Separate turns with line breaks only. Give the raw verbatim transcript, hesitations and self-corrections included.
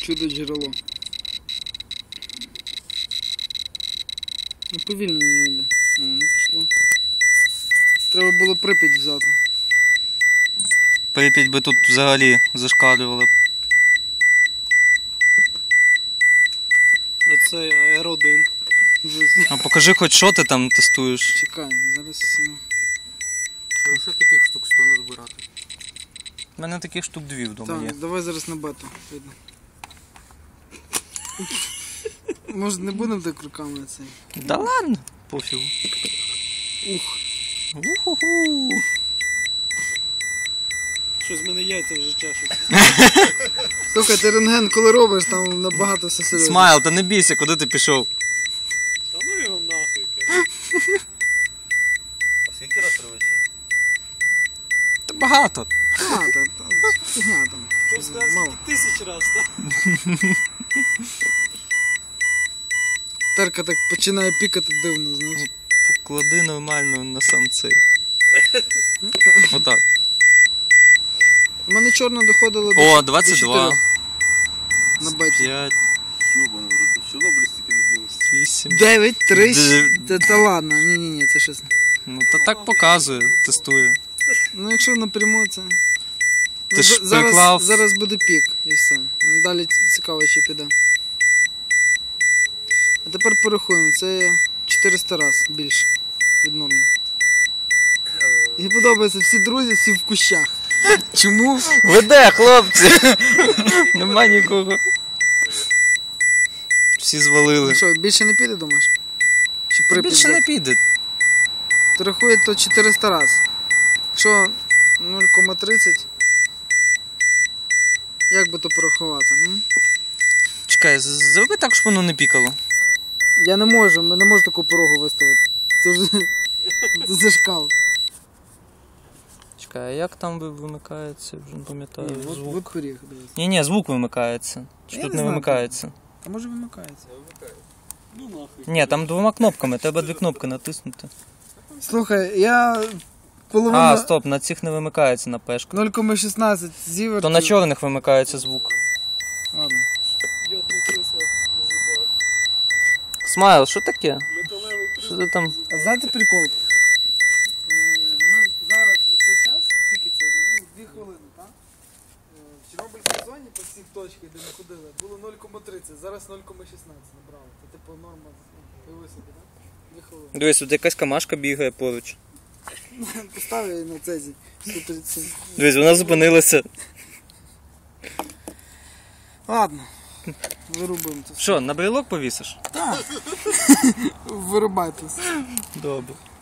Чудо джерело. Ну повільно не йде. О, ну пішло. Треба було Прип'ять взяти.
Прип'ять би тут взагалі зашкалювали.
Оце Р один.
А покажи хоч що ти там тестуєш.
Чекай, зараз...
Що ще таких штук сто назбирати?
У мене таких штук дві вдома є.
Так, давай зараз на бету. Видно. Може не будемо так руками цей?
Да ладно, пофігу.
Ух.
Уху-ху.
Що з мене яйця вже чешуть.
Слухай, ти рентген коли робиш, там набагато все серйозно.
Смайл, та не бійся, куди ти пішов?
Та ну його нахуй, каже.
А скільки раз робиться?
Та багато.
А, та, та, фігня там.
Хоч сказати,
Мало.
тисяч раз, так?
Терка так починає пікати дивно, знаєш.
Поклади нормально на сам цей. Отак.
У мене чорно доходило до,
О,
до
двадцять два.
чотирьох на беті.
п'ять,
Йобаний, в Чорнобилі стільки не було.
вісім.
дев'ять, три,
Д-
та, та ладно, ні-ні-ні, це щось.
Ну та так показує, тестує.
Ну якщо напряму це...
Ти
Ну,
ж
за- зараз,
приклав-
зараз буде пік і все. Далі цікаво, чи піде. А тепер порахуємо, це чотириста раз більше від норми. Мені подобається, всі друзі, всі в кущах. Чому?
Веде, хлопці! Нема нікого. Всі звалили.
Ну що, більше не піде, думаєш? Чи
Та
Прип'ять
більше не
за-
піде.
То рахує то чотириста раз. Що нуль кома тридцять? Як би то порахувати? М?
Чекай, з- зроби так, щоб воно не пікало.
Я не можу, ми не можу таку порогу виставити. Це вже це зашкал.
Чекай, а як там ви- вимикається? Вже не пам'ятаю.
Ні, от,
Звук.
от поріг, дивись.
Ні, ні, звук вимикається. Чи
Я
тут
не
не
знаю,
вимикається?
А може вимикається?
Ну нахуй.
Ні, там двома кнопками, треба дві кнопки натиснути.
Слухай, я коли
А,
вона
стоп, на цих не вимикається на пешку.
нуль кома шістнадцять зівер.
То на чорних вимикається звук.
Ладно.
Йодний присмак на зубах.
Смайл, що таке?
Металевий
Що
присмак
ти там?
на зубах.
А знаєте прикол? Е, Ми зараз за той час, скільки це? Ну, дві хвилини, так? Е, В Чорнобильській зоні по всіх точках, де ми ходили, було нуль кома тридцять, зараз нуль кома шістнадцять набрали. Це типу норма, уяви собі, так? Дві хвилини.
Дивись, тут якась камашка бігає поруч.
Поставив її на цезі. сто тридцять сім.
Дивись, вона зупинилася.
Ладно. Вирубуємо це.
Що, на брелок повісиш?
Вирубайте.
Добре.